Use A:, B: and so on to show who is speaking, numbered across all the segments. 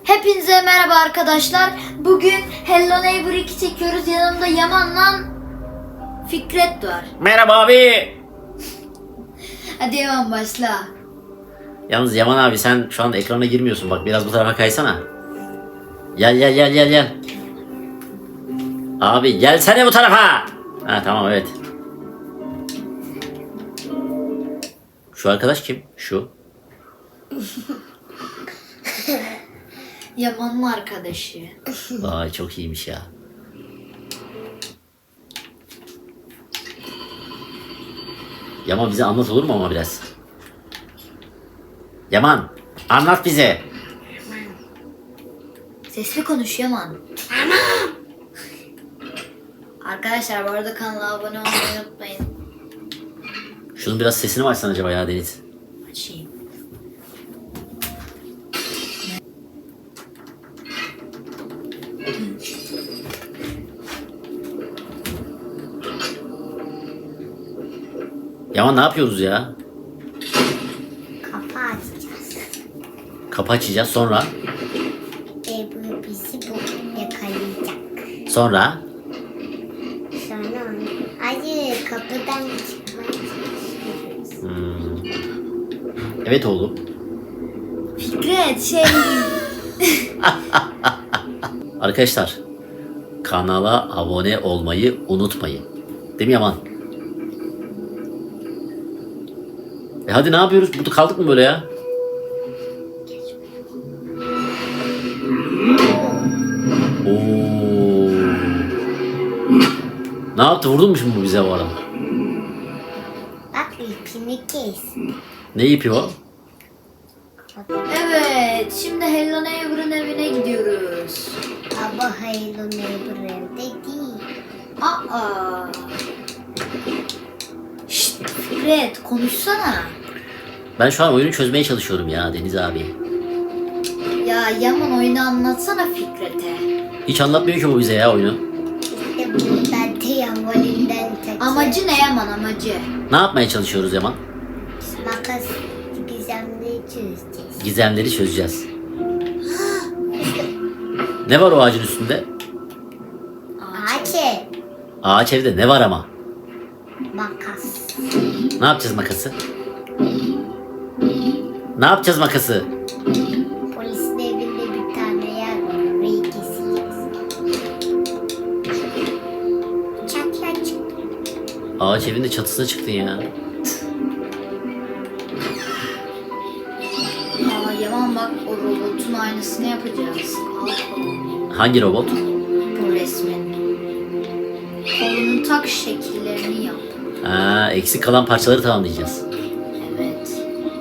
A: Hepinize merhaba arkadaşlar. Bugün Hello Neighbor 2 çekiyoruz. Yanımda Yaman'la Fikret var.
B: Merhaba abi.
A: Hadi Yaman başla.
B: Yalnız Yaman abi sen şu anda ekrana girmiyorsun. Bak biraz bu tarafa kaysana. Gel. Abi gelsene bu tarafa. Ha tamam evet. Şu arkadaş kim? Şu.
A: Yaman'ın arkadaşı.
B: Vay çok iyiymiş ya. Yaman bize anlat olur mu ama biraz? Yaman anlat bize.
A: Sesli konuş Yaman. Arkadaşlar bu arada kanala abone olmayı unutmayın.
B: Şunun biraz sesini mi açsan acaba ya Deniz?
A: Açayım.
B: Yaman ne yapıyoruz ya?
C: Kafa açacağız.
B: Kapı açacağız sonra.
C: Bu bizi bu yakalayacak.
B: Sonra.
C: Sonra hayır kapıdan çıkmaya çalışıyoruz.
B: Evet oğlum.
A: Fikret
B: Arkadaşlar kanala abone olmayı unutmayın. Değil mi Yaman? Hadi ne yapıyoruz? Burada kaldık mı böyle ya? Oo. Ne yaptı? Vurdun mu şimdi bu bize bu arada?
C: Bak ipini kes.
B: Ne ipi o?
A: Evet, şimdi Hello Neighbor'ın evine gidiyoruz.
C: Ama Hello Neighbor evde değil.
A: Aa. Şşt, Fikret konuşsana.
B: Ben şu an oyunu çözmeye çalışıyorum ya Deniz abi.
A: Ya Yaman oyunu anlatsana Fikret'e.
B: Hiç anlatmıyor ki bu bize ya oyunu.
C: İşte buradan tramvalinden takıyor.
A: Amacı ne Yaman amacı?
B: Ne yapmaya çalışıyoruz Yaman?
C: Makas gizemliği çözeceğiz.
B: Gizemleri çözeceğiz. Ne var o ağacın üstünde?
C: Ağaç ev.
B: Ağaç evde ne var ama?
C: Makas.
B: Ne yapacağız makası? Ne yapacağız makası?
C: Polisin evinde bir tane yer var. Orayı keseceğiz. Çatla çıktı.
B: Ağaç evinde çatısına çıktın ya.
A: Aa Yaman bak o robotun aynısını yapacağız. Al kolunu.
B: Hangi robot?
A: Bu resmin. Kolunu tak şekillerini yap.
B: Ha, eksik kalan parçaları tamamlayacağız.
A: Evet.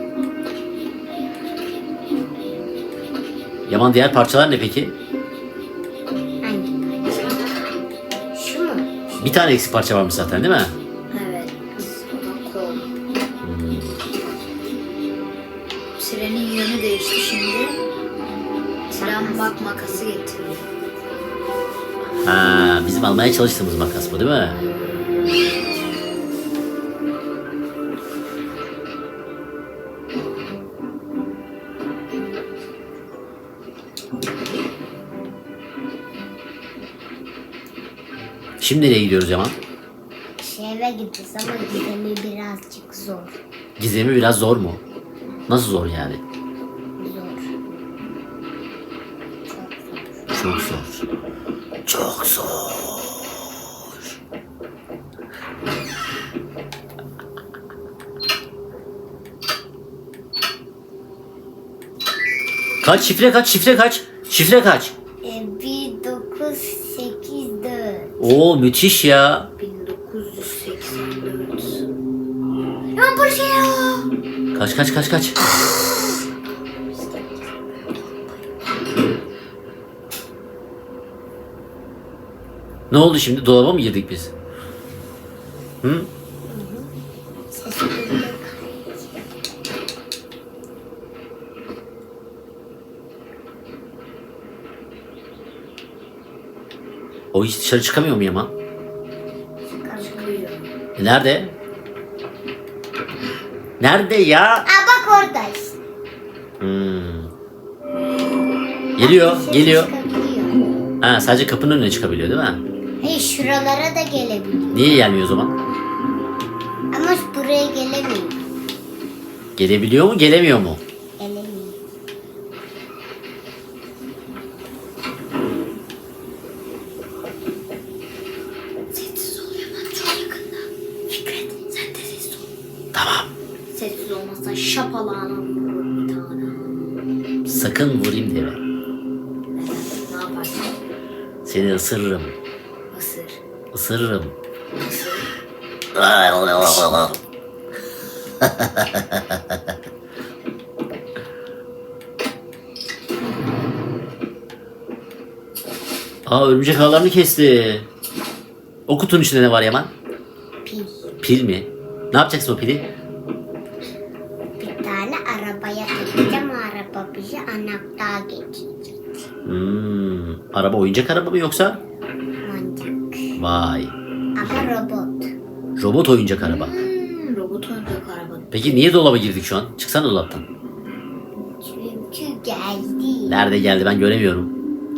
B: Yaman diğer parçalar ne peki?
C: Hangi parça? Şu mu?
B: Bir tane eksik parça varmış zaten değil mi?
A: Evet. O da kol. Trenin yönü değişti şimdi. Tren bak makası getiriyor.
B: Ha, bizim almaya çalıştığımız makas bu değil mi? Şimdi nereye gidiyoruz Yaman?
C: Eve gideceğiz ama gizemi birazcık zor.
B: Gizemi biraz zor mu? Nasıl zor yani?
C: Zor.
B: Çok zor. Çok zor. Kaç şifre kaç şifre kaç? Şifre kaç?
C: 1984.
B: Oo müthiş ya.
A: 1984. Yaman polis geliyor.
B: Kaç. Ne oldu şimdi? Dolaba mı girdik biz? Hı?
C: Ses duyuyor.
B: O hiç dışarı çıkamıyor mu Yaman?
A: Çıkıyor.
B: Nerede? Nerede ya?
C: Aa bak orada işte.
B: Hmm. Geliyor,
C: dışarı
B: geliyor.
C: çıkabiliyor.
B: Ha, sadece kapının önüne çıkabiliyor değil mi?
C: Hayır, şuralara da gelebiliyor.
B: Niye gelmiyor o zaman?
C: Ama buraya gelemiyor.
B: Gelebiliyor mu, gelemiyor mu?
C: Gelemiyor.
A: Sessiz ol Yaman, çok yakında. Fikret sen de sessiz ol.
B: Tamam.
A: Sessiz olmazsan şapalağına vururum bir tane.
B: Sakın vurayım deme.
A: Ne yaparsın?
B: Seni ısırırım.
A: Isır.
B: Isırırım. Aa, örümcek ağlarını kesti. O kutunun içinde ne var Yaman?
C: Pil.
B: Pil mi? Ne yapacaksın o pili?
C: Bir tane arabaya takacağım. O araba bizi anahtar getirecek.
B: Araba oyuncak araba mı yoksa?
C: Mantık.
B: Vay.
C: Ama robot.
B: Robot oyuncak araba.
A: Robot oyuncak araba.
B: Peki niye dolaba girdik şu an? Çıksana dolaptan.
C: Çünkü geldi.
B: Nerede geldi, ben göremiyorum.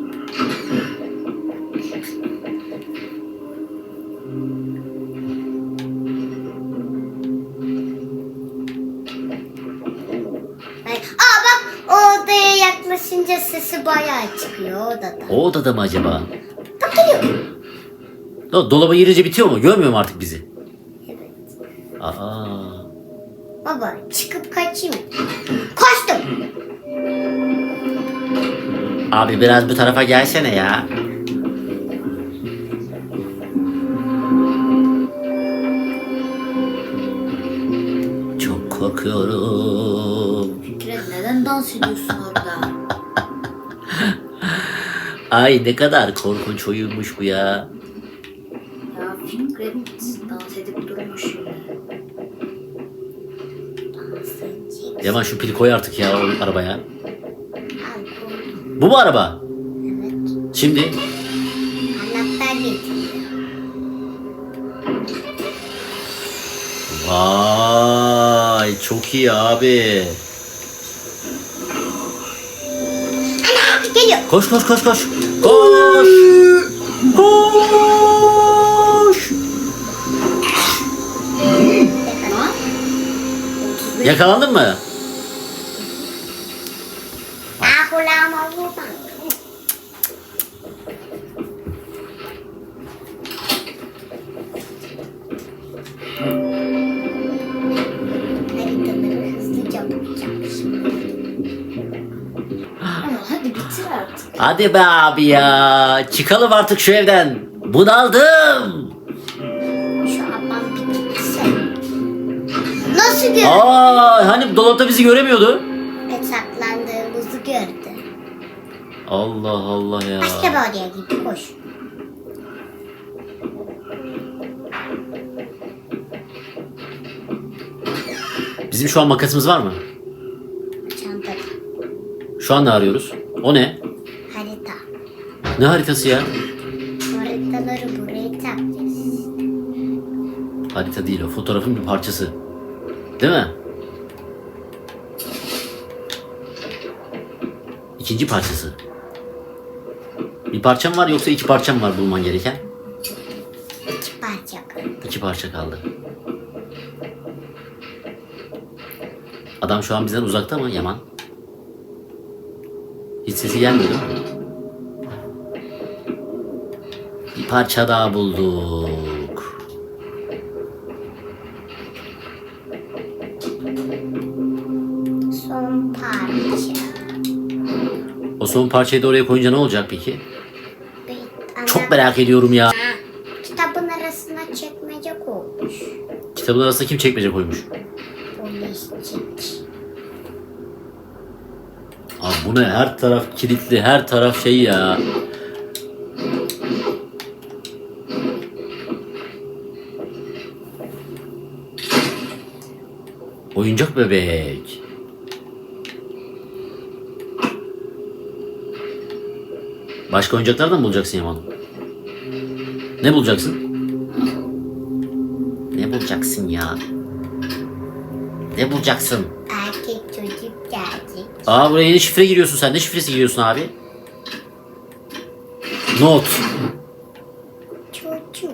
C: Aa bak, o odaya yaklaşınca sesi bayağı çıkıyor odada.
B: O odada mı acaba?
C: Bak geliyor.
B: Dolaba girince bitiyor mu? Görmüyor mu artık bizi?
C: Evet.
B: Aa.
C: Baba çıkıp kaçayım. Koştum.
B: Abi biraz bu tarafa gelsene ya. Çok korkuyorum.
A: Fikret neden dans ediyorsun orada?
B: Ay, ne kadar korkunç oyunmuş bu ya.
A: Ya Fikret dans edip durmuş şimdi.
B: Yaman şu pili koy artık ya o arabaya.
C: Al bu.
B: Bu mu araba?
C: Evet.
B: Şimdi
C: Anahtar getiriyor.
B: vay, çok iyi abi.
C: Ana geliyor.
B: Koş koş koş koş. Koş. Koş.
A: Lan. 35
B: Yakalandın mı?
C: Aa kulağıma vurma. Haritaları hızlıca bulacağım şimdi.
A: Ama hadi bitir artık.
B: Hadi be abi ya. Çıkalım artık şu evden. Bunaldım.
C: Şu ablam bir gitse. Nasıl gördü?
B: Aa, hani dolapta bizi göremiyordu.
C: Saklandığımızı gördü.
B: Allah Allah ya.
C: Başka bir odaya gitti, koş.
B: Bizim şu an makasımız var mı?
C: Çantada.
B: Şu an ne arıyoruz? O ne?
C: Harita.
B: Ne haritası ya?
C: Haritaları buraya takacağız.
B: Harita değil o. Fotoğrafın bir parçası. Değil mi? İkinci parçası. Bir parçam var yoksa iki parçam var bulman gereken?
C: İki parça kaldı.
B: İki parça kaldı. Adam şu an bizden uzakta mı Yaman? Hiç sesi gelmiyor değil mi? Bir parça daha bulduk.
C: Son parça.
B: O son parçayı da oraya koyunca ne olacak peki?
C: Bir
B: Çok merak ediyorum ya.
C: Kitabın arasına çekmece koymuş.
B: Kitabın arasında kim çekmece koymuş?
C: Poliscik.
B: Abi bu ne? Her taraf kilitli, her taraf şey ya. Oyuncak bebek. Başka oyuncaklar da mı bulacaksın Yaman? Ne bulacaksın? Ne bulacaksın ya? Ne bulacaksın?
C: Erkek çocuk gelecek.
B: Aa, buraya yeni şifre giriyorsun sen. Ne şifresi giriyorsun abi? Not.
C: Çocuk.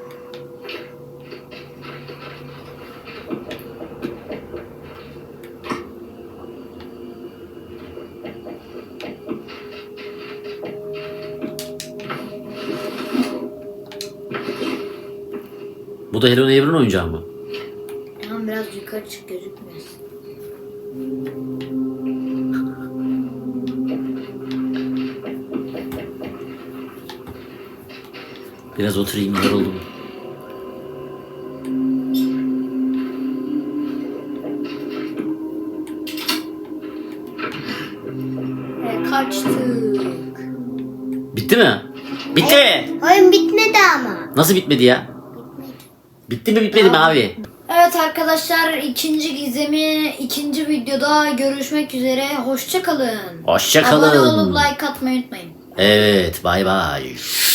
B: Bu da Hello Neighbor'ın oyuncağı mı?
A: Tamam biraz yukarı çık gözükmüyor.
B: Biraz oturayım, yoruldum.
A: Kaçtık.
B: Bitti mi? Bitti.
C: Oyun bitmedi ama.
B: Nasıl bitmedi ya? Bitti mi bitmedi mi abi?
A: Evet arkadaşlar ikinci gizemi ikinci videoda görüşmek üzere. Hoşça kalın.
B: Hoşça
A: Abone
B: kalın.
A: olup like atmayı unutmayın.
B: Evet, bay bay.